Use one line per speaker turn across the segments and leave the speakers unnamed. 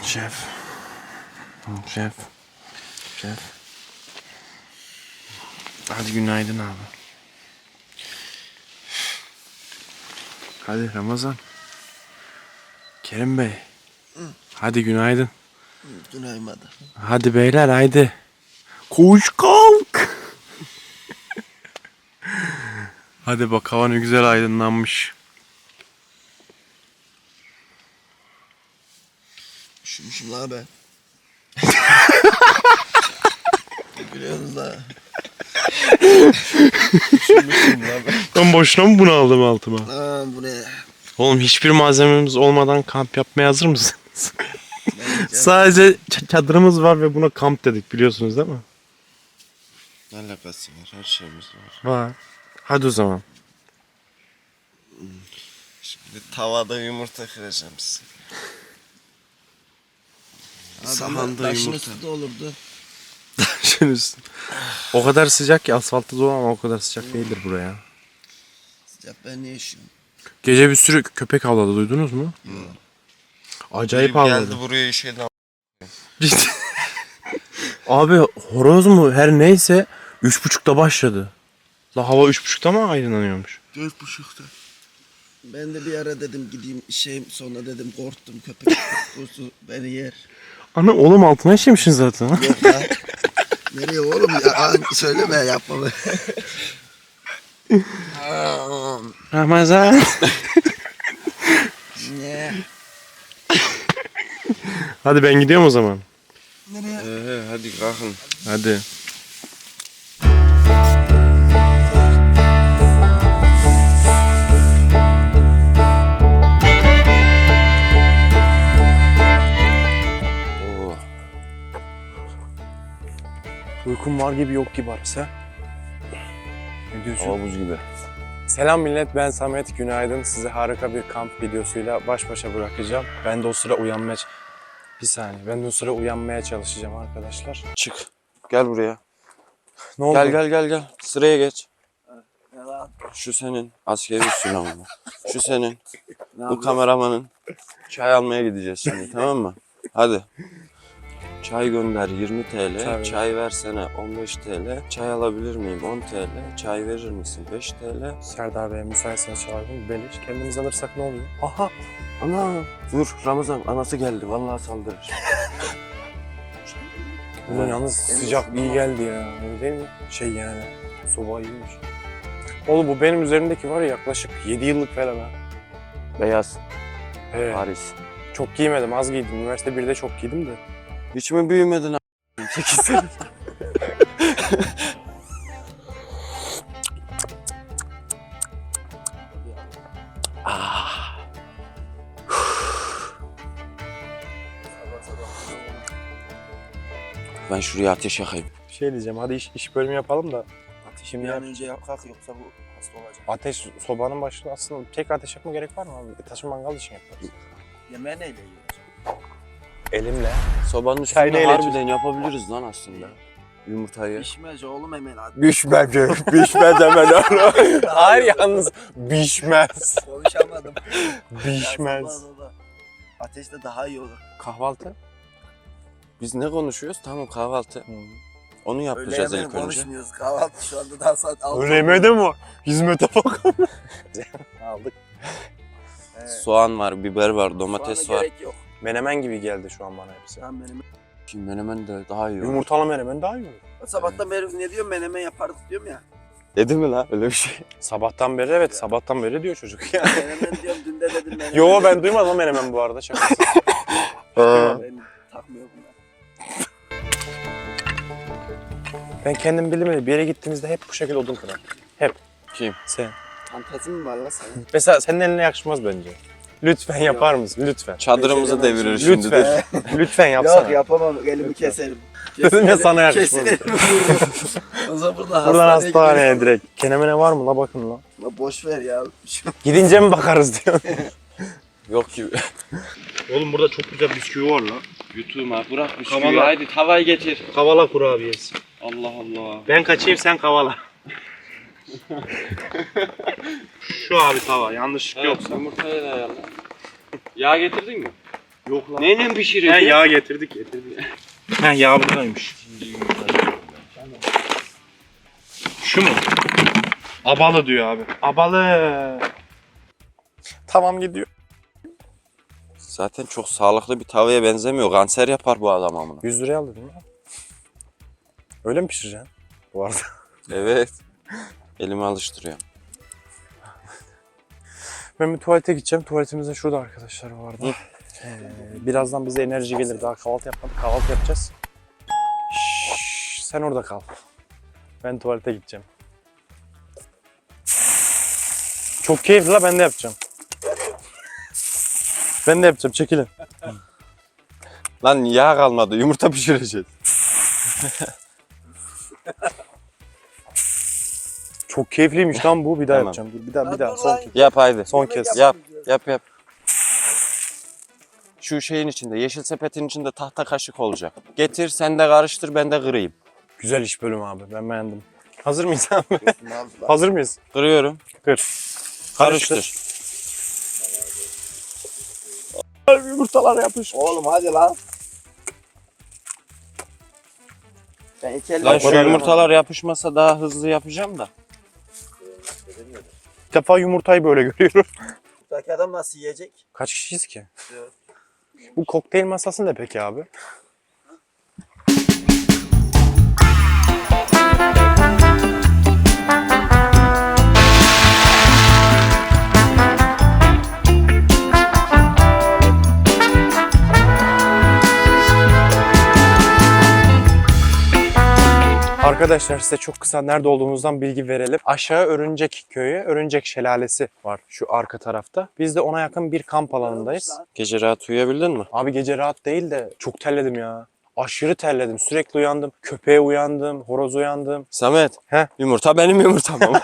Şef. Şef. Şef. Hadi günaydın abi. Hadi Ramazan. Kerim Bey. Hadi günaydın.
Günaydın.
Hadi beyler haydi. Koş kalk. Hadi bak hava ne güzel aydınlanmış.
Üşümüşüm la ben. Gülüyorsunuz la. Üşümüşüm la ben.
Ben boşuna mı bunu aldım altıma?
Aa bu ne?
Oğlum hiçbir malzememiz olmadan kamp yapmaya hazır mısınız? Sadece çadırımız var ve buna kamp dedik biliyorsunuz değil mi?
Ne alakası var? Her şeyimiz var.
Var. Hadi o zaman.
Şimdi tavada yumurta kıracağım size.
Sahanda
Taşın
yumurta.
üstü de olurdu.
Şunun üstü. O kadar sıcak ki asfaltta dolu ama o kadar sıcak değildir buraya.
Sıcak ben niye üşüyorum?
Gece bir sürü köpek havladı duydunuz mu? Acayip havladı.
Geldi buraya şeyden.
Ciddi. Abi horoz mu her neyse 3.30'da başladı. La hava 3.30'da mı aydınlanıyormuş?
4.30'da. Ben de bir ara dedim gideyim sonra dedim korktum köpek kokusu beni yer.
Ana oğlum altına işemişsin zaten.
Yok la. Nereye oğlum ya? Söyleme yapma be.
Ramazan.
Ne?
Hadi ben gidiyorum o zaman.
Nereye? Hadi kalkın.
Hadi.
Oo.
Uykum var gibi yok gibi arası. Ne diyorsun?
Hava buz gibi.
Selam millet, ben Samet. Günaydın. Size harika bir kamp videosuyla baş başa bırakacağım. Ben de o sıra uyanmaya... Bir saniye. Ben de o sıra uyanmaya çalışacağım arkadaşlar.
Çık. Gel buraya.
Ne oldu?
Gel. Sıraya geç.
Ne lan?
Şu senin. Askeri usul ama. Şu senin.
Ne
Bu
yapıyorsun?
kameramanın. Çay almaya gideceğiz şimdi tamam mı? Hadi. Çay gönder 20 TL,
Tabii.
çay versene 15 TL, çay alabilir miyim 10 TL, çay verir misin 5 TL?
Serdar Bey müsaitseniz çağırdım. Beleş. Kendimiz alırsak ne oluyor? Aha.
Ana dur Ramazan anası geldi vallahi saldırır.
Ulan yalnız sıcak iyi geldi ya. Öyle değil mi? Şey yani. Soba iyiymiş. Oğlum bu benim üzerimdeki var ya yaklaşık 7 yıllık falan ha.
Beyaz
Evet.
Paris.
Çok giymedim. Az giydim. Üniversite 1'de çok giydim de.
Hiç mi büyümedin a**? 8 sene. Ben şuraya ateş yakayım.
Bir şey diyeceğim. Hadi iş bölümü yapalım da.
Şimdi bir an önce yap kalk yoksa bu hasta olacak.
Ateş sobanın başında aslında tek ateş yakma gerek var mı abi? Taşı mangal için yaparız.
Yemeği neyle yiyoruz?
Elimle.
Sobanın
Çay
üstünde
neyle
harbiden yapabiliriz lan aslında. Yumurtayı.
Pişmez oğlum hemen hadi.
Bişmez. Bişmez hemen oğlum. Hayır yalnız bişmez.
Konuşamadım.
Bişmez.
Ya, ateşte daha iyi olur.
Kahvaltı?
Biz ne konuşuyoruz? Tamam kahvaltı. Onu
Öyle
yapacağız
hemen
ilk önce.
konuşmuyoruz. Kahvaltı şu anda daha saat 6.
Öyle mi? Hizmete bak. Aldık.
Evet.
Soğan var, biber var, domates
Soğana
var.
gerek yok.
Menemen gibi geldi şu an bana hepsi.
Tamam benim.
Şimdi menemen de daha iyi olur.
Yumurtalı menemen daha iyi olur.
Sabahtan beri ne diyorum menemen yapardık diyorum ya.
Dedi mi lan öyle bir şey?
Sabahtan beri evet sabahtan beri diyor çocuk ya.
Menemen diyorum dün de dedim menemen.
Yo ben duymadım menemen bu arada şakası.
Ben takmıyorum bunlar.
Ben kendim bildim bir yere gittiğimizde hep bu şekilde odun kırar. Hep.
Kim?
Sen.
Fantezi mi var la senin?
Mesela senin eline yakışmaz bence. Lütfen yapar mısın? Lütfen.
Çadırımızı devirir şimdi dur.
Lütfen. Lütfen yapsana.
Yok yapamam elimi keserim.
Dedim ya sana yakışmaz.
Kesin elimi vururum. O zaman burada
Buradan
hastaneye
hastaneye direkt. Kenemene var mı la bakın la.
gidiyorum. Boş ver ya.
Gidince mi bakarız diyor.
Yok ki.
Oğlum burada çok güzel bisküvi var la.
Yutuma bırak bisküvi
Kavala.
haydi tavayı getir.
Kavala kurabiyesi.
Allah Allah.
Ben kaçayım sen kavala. Şu abi tava yanlışlık
Evet,
yoksa.
yumurtayı da ayarla. Yağ getirdin mi?
Yok lan.
Neyle pişiriyorsun?
Yağ getirdik. Ha yağ buradaymış. Şu mu? Abalı diyor abi. Abalı.
Tamam gidiyor.
Zaten çok sağlıklı bir tavaya benzemiyor. Kanser yapar bu adam amına.
100 liraya aldı değil mi? Öyle mi pişireceksin? Bu arada.
Evet. Elimi alıştırıyor.
Ben bir tuvalete gideceğim. Tuvaletimizin de şurada arkadaşlar bu arada. Birazdan bize enerji gelir. Daha kahvaltı yapmadık. Kahvaltı yapacağız. Şşş, sen orada kal. Ben tuvalete gideceğim. Çok keyifli la, ben de yapacağım. Ben de yapacağım, çekilin.
Lan yağ kalmadı. Yumurta pişireceğiz.
Çok keyifliymiş lan bu. Bir daha
Tamam.
yapacağım. Dur, bir daha son kez.
Yap haydi.
Son kez.
Yap. Şu şeyin içinde, yeşil sepetin içinde tahta kaşık olacak. Getir, sen de karıştır, ben de kırayım.
Güzel iş bölümü abi. Ben beğendim. Hazır mıyız abi? Hazır mıyız?
Kırıyorum.
Kır.
Karıştır.
Yumurtalar yapış.
Oğlum hadi lan. Ben iki elle
Lan şu
koyarım.
yumurtalar yapışmasa daha hızlı yapacağım da.
İlk defa yumurtayı böyle görüyorum.
Buradaki adam nasıl yiyecek?
Kaç kişiyiz ki?
Evet.
Bu kokteyl masası ne peki abi? Arkadaşlar size çok kısa nerede olduğumuzdan bilgi verelim. Aşağı Örümcek Köyü, Örümcek Şelalesi var şu arka tarafta. Biz de ona yakın bir kamp alanındayız.
Gece rahat uyuyabildin mi?
Abi gece rahat değil de çok terledim ya. Aşırı terledim. Sürekli uyandım. Köpeğe uyandım, horoz uyandım.
Samet.
He?
Yumurta benim yumurtam ama.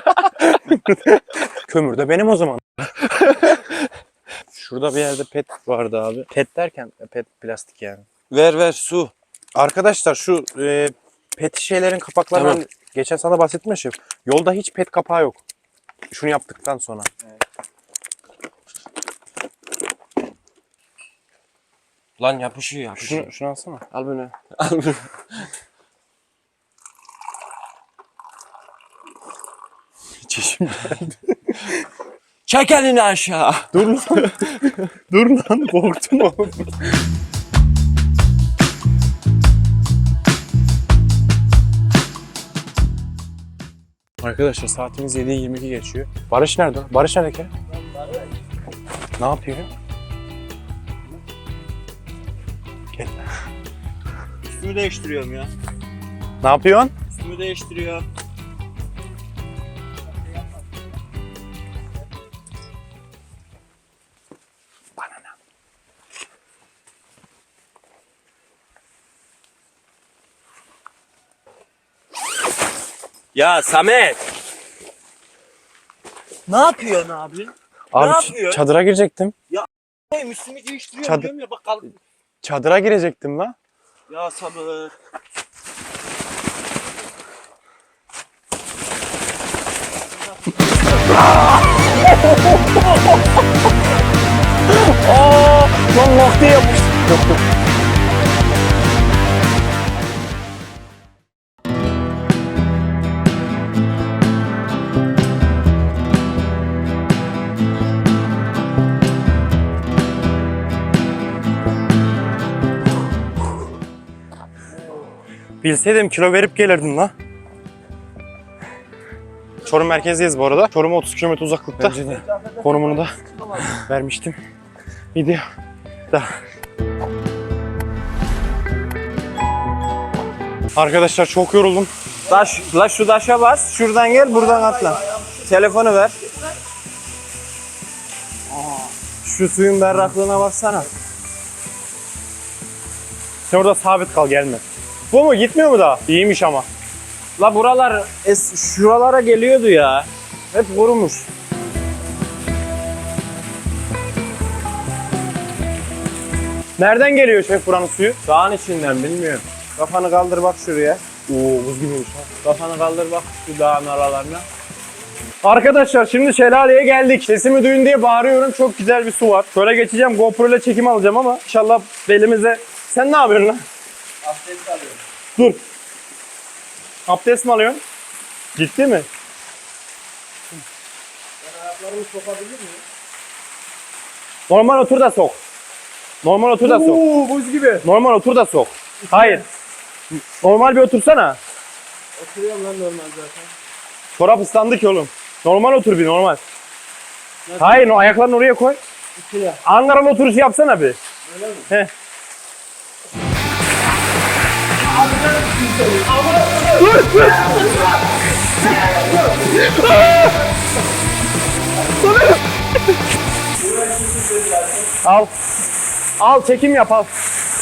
Kömür de benim o zaman. Şurada bir yerde pet vardı abi. Pet derken pet plastik yani.
ver su.
Arkadaşlar şu pet şişelerin kapaklarından
Tamam.
geçen sana bahsetmiştim. Yolda hiç pet kapağı yok. Şunu yaptıktan sonra.
Lan yapışıyor.
Şunu alsana.
Al bunu. Al bunu.
Çeşim.
Çek elini aşağı.
Dur lan. Dur lan, korktum oğlum. Arkadaşlar saatimiz 7:22 geçiyor. Barış nerede? Barış nerede ki? Ne yapıyor? Gel.
Üstümü değiştiriyorum ya.
Ne yapıyorsun?
Üstümü değiştiriyorum. Ya Samet. Ne yapıyorsun abi?
Abi
yapıyorsun?
çadıra girecektim.
Hey, üstümü değiştiriyorum
Çadır-
diyorum ya bak kal.
Çadıra girecektim lan.
Ya sabır.
Lan lak diye yapıştı. Yok yok. Bilseydim kilo verip gelirdim la. Çorum merkezdeyiz bu arada. Çorum'a 30 km uzaklıkta. Konumunu da vermiştim. Video. Arkadaşlar çok yoruldum.
La şu taşa bas. Şuradan gel buradan atla. Telefonu ver. Şu suyun berraklığına baksana.
Sen orada sabit kal, gelme. Bu mu? Gitmiyor mu daha? İyiymiş ama.
La buralar şuralara geliyordu ya. Hep kurumuş.
Nereden geliyor şef buranın suyu?
Dağın içinden bilmiyorum. Kafanı kaldır bak şuraya.
Oo, buz gibiymiş ha.
Kafanı kaldır bak şu dağın aralarına.
Arkadaşlar şimdi şelaleye geldik. Sesimi duyun diye bağırıyorum. Çok güzel bir su var. Şöyle geçeceğim. GoPro ile çekim alacağım ama inşallah belimize... Sen ne yapıyorsun lan?
Abdest alıyorum.
Dur. Abdest mi alıyorsun? Ciddi mi?
Ben ayaklarımı sokabilir miyim?
Normal otur da sok. Normal otur da sok.
buz gibi.
Normal otur da sok. Hayır. Normal bir otursana.
Oturuyorum lan normal zaten.
Çorap ıslandı ki oğlum. Normal otur bir normal. Hayır o ayaklarını oraya koy.
İçine.
Ankaralı oturuşu yapsana bir.
Öyle mi?
Heh. Al. Al çekim yap al.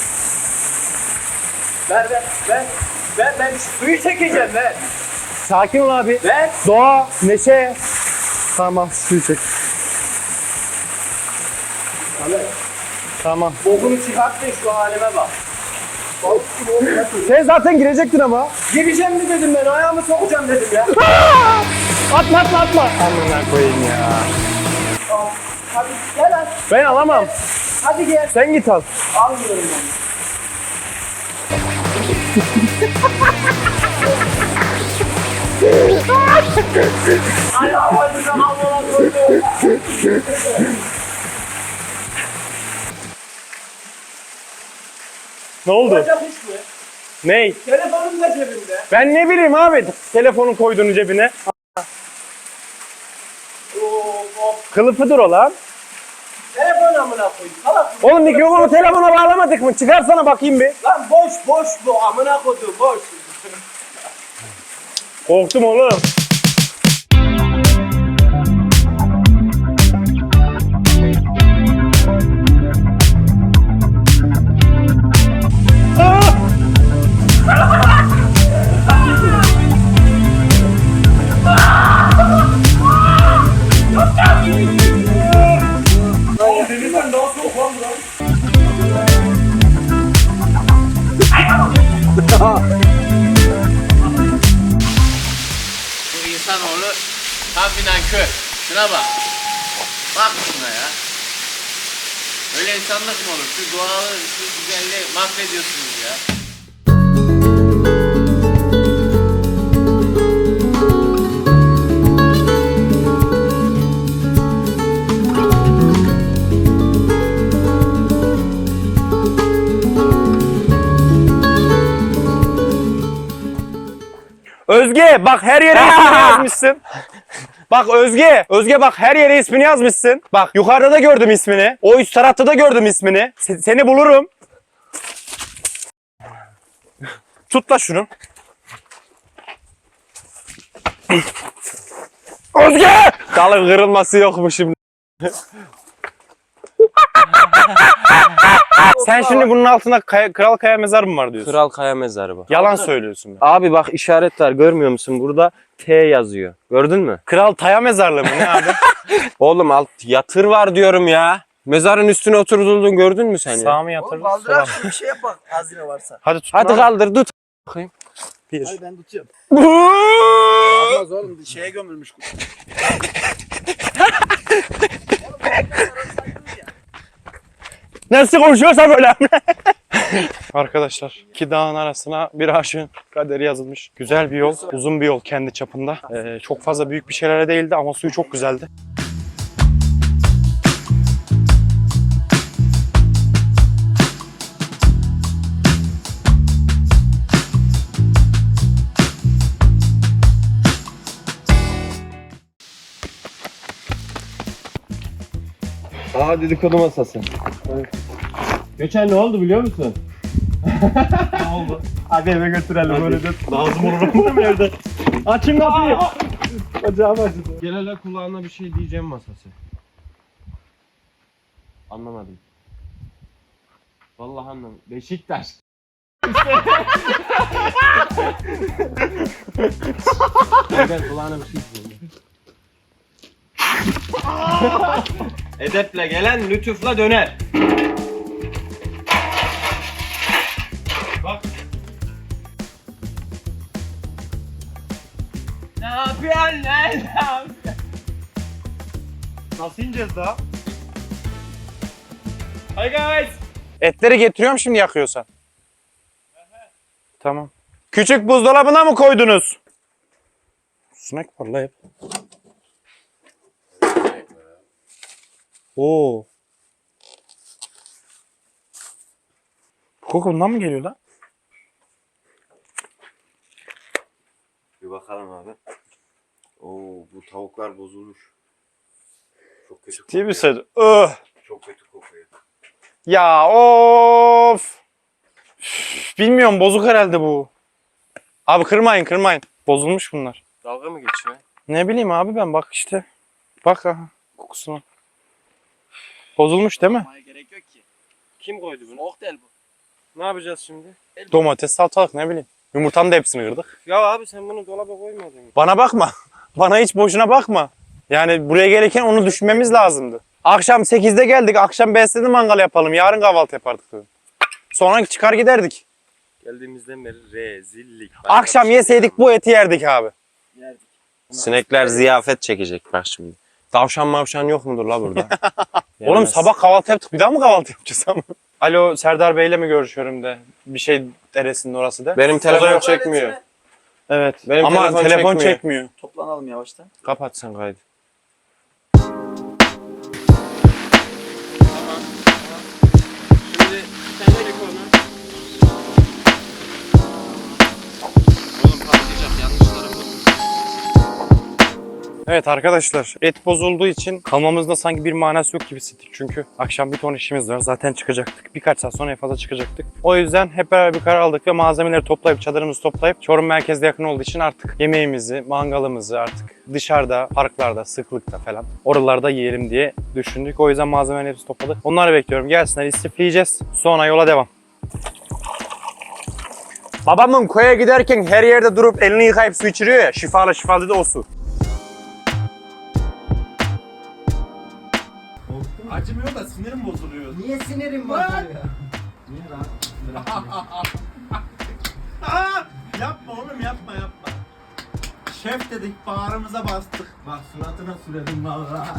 Ben suyu çekeceğim ben.
Sakin ol abi.
Ben.
Doğa, neşe. Tamam suyu çek. Tamam.
Bokunu çıkarttın şu halime bak.
Sen zaten girecektin ama.
Gireceğim mi dedim ben, ayağımı sokacağım dedim ya.
Atma atma atma. Amına koyayım ya.
Hadi gel lan.
Ben alamam.
Hadi gel.
Sen git al.
Almıyorum ben. Ayağım acıdan almadan koydu.
Ne oldu?
Olacak iş mi?
Ney?
Telefonum da cebimde.
Ben ne bileyim abi. Telefonu koydun cebine. Kılıfıdır o lan.
Telefon amına koyayım. Salak.
Oğlum mikrofonu telefona bağlamadık mı? Çıkarsana bakayım bir.
Lan boş bu amına koyduğum boş.
Korktum oğlum.
Bu insanoğlu tam bir nankör. Şuna bak. Bak şuna ya. Öyle insanlık mı olur? Şu doğalı, şu güzelliği mahvediyorsunuz ya.
Özge bak her yere ismini yazmışsın. Bak Özge. Özge bak her yere ismini yazmışsın. Bak yukarıda da gördüm ismini. O üst tarafta da gördüm ismini. Seni bulurum. Tut da şunu. Özge! Dalın kırılması yok mu şimdi? Sen şimdi bunun altında Kral Kaya mezarı mı var diyorsun?
Kral Kaya mezarı bu.
Yalan söylüyorsun.
Abi bak işaret var, görmüyor musun? Burada T yazıyor. Gördün mü?
Kral Taya mezarlığı mı ne abi?
Oğlum alt yatır var diyorum ya. Mezarın üstüne oturduğunu gördün mü sen ya?
Sağ mı
Oğlum
yatırdı?
kaldırak şu bir şey yapak hazine varsa.
Hadi tut.
Hadi kaldır tut.
Bir.
Hadi ben tutuyorum. Olmaz oğlum şeye gömülmüş.
Nasıl konuşuyorsa böyle. Arkadaşlar iki dağın arasına bir aşığın kaderi yazılmış. Güzel bir yol, uzun bir yol kendi çapında. Çok fazla büyük bir şeylere değildi ama suyu çok güzeldi.
Aa dedikodu masası.
Geçen ne oldu biliyor musun? Ne oldu? Hadi eve götürelim öyle de. Lazım olur mu evde? Açın kapıyı. Acayip acıdı.
Gel hele kulağına bir şey diyeceğim masası. Anlamadım. Vallahi anlamadım. Beşiktaş. Gel kulağına bir şey diyeceğim. Edeple gelen lütufla döner. Bak.
Ne yapıyorsun lan? Ne yapıyorsun?
Nasıl ineceğiz daha? Hi guys. Etleri getiriyorum şimdi yakıyorsan. Tamam. Küçük buzdolabına mı koydunuz? Snack var la hep. Oo. Bu koku bundan mı geliyor lan?
Bir bakalım abi. Oo bu tavuklar bozulmuş. Çok kötü
Değil
kokuyor.
misin? Öh.
Çok kötü kokuyor.
Ya of. Üf, bilmiyorum bozuk herhalde bu. Abi kırmayın. Bozulmuş bunlar.
Dalga mı geçiyor?
Ne bileyim abi ben bak işte. Bak aha kokusuna. Bozulmuş değil mi?
Yapmaya gerek yok ki.
Kim koydu bunu?
Soğuk değil bu.
Ne yapacağız şimdi?
Domates, salatalık ne bileyim. Yumurtanın da hepsini kırdık.
Ya abi sen bunu dolaba koymadın.
Bana bakma. Bana hiç boşuna bakma. Yani buraya gelirken onu düşünmemiz lazımdı. Akşam 8'de geldik. Akşam besledim mangal yapalım. Yarın kahvaltı yapardık dedim. Sonra çıkar giderdik.
Geldiğimizden beri rezillik.
Akşam yeseydik bu eti yerdik abi.
Yerdik.
Sinekler ziyafet çekecek bak şimdi.
Tavşan mavşan yok mudur la burada? Oğlum
Yemez.
sabah kahvaltı yaptık. Bir daha mı kahvaltı yapacağız ama? Alo Serdar Bey'le mi görüşüyorum de. Bir şey deresinin orası da.
Benim telefon
yok.
çekmiyor.
Evet.
Benim
ama
telefon
telefon
çekmiyor.
çekmiyor.
Toplanalım yavaştan.
Kapat sen kaydı.
Şimdi sen çek onu.
Oğlum patlayacak yanlış tarafı.
Evet arkadaşlar et bozulduğu için kalmamızda sanki bir manası yok gibi hissettik. Çünkü akşam bir ton işimiz var. Zaten çıkacaktık. Birkaç saat sonra en fazla çıkacaktık. O yüzden hep beraber bir karar aldık ve malzemeleri toplayıp çadırımızı toplayıp Çorum merkezde yakın olduğu için artık yemeğimizi, mangalımızı artık dışarıda, parklarda, sıklıkta falan oralarda yiyelim diye düşündük. O yüzden malzemelerin hepsini topladık. Onları bekliyorum. Gelsinler istifleyeceğiz. Sonra yola devam. Babamın köye giderken her yerde durup elini yıkayıp su içiriyor ya. Şifalı da o su.
Acımıyor da sinirim bozuluyor.
Niye sinirim var ya?
Niye lan? Yapma oğlum yapma. Şef dedik bağrımıza bastık. Bak suratına süredim vallahi.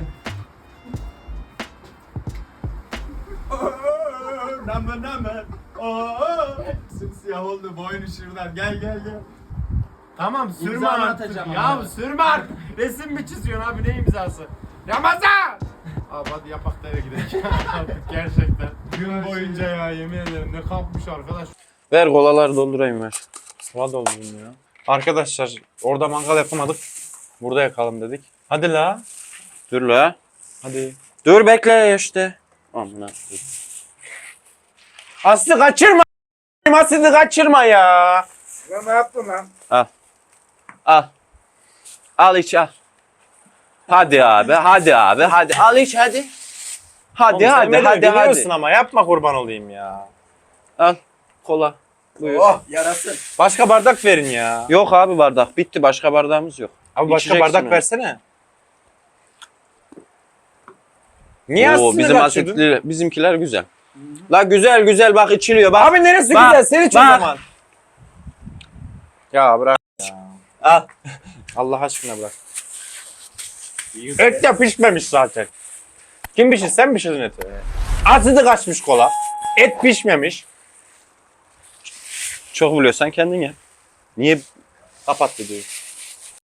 Name. Simsiyah oldu boynu şuradan. Gel. Tamam sürme
İmza
artık.
atacağım
Ya
ama.
sürme artık. Resim mi çiziyorsun abi ne imzası? Ramazan! Abi hadi yapak da eve gidelim. Gerçekten. Gün boyunca ya yemin ederim ne kapmış arkadaş.
Ver kolaları doldurayım ver.
Sıra doldurdum ya. Arkadaşlar orada mangal yapamadık. Burada yakalım dedik. Hadi la.
Dur la.
Hadi.
Dur bekle işte. Amına.
Aslı kaçırma. Aslı kaçırma ya.
Ne yaptın lan?
Al. Al iç al. Hadi abi. Hadi. Al iç hadi. Hadi
Oğlum, sen beni
hadi.
biliyorsun ama yapma kurban olayım ya.
Al. Kola. Buyur.
Oh yarasın.
Başka bardak verin ya.
Yok abi bardak. Bitti. Başka bardağımız yok.
Abi başka
İçeceksin
bardak
onu.
versene. Niye
Oo,
Aslı'nı
bizim
kaçırdın?
asitli, bizimkiler güzel. La güzel bak içiliyor bak.
Abi neresi
Bak,
güzel? Sen iç o
bak.
zaman. Ya bırak.
Al.
Allah aşkına bırak. Et de pişmemiş zaten. Kim pişir? Sen pişirdin eti. Aslı kaçmış kola. Et pişmemiş.
Çok biliyorsan kendin ye. Niye
Kapat videoyu.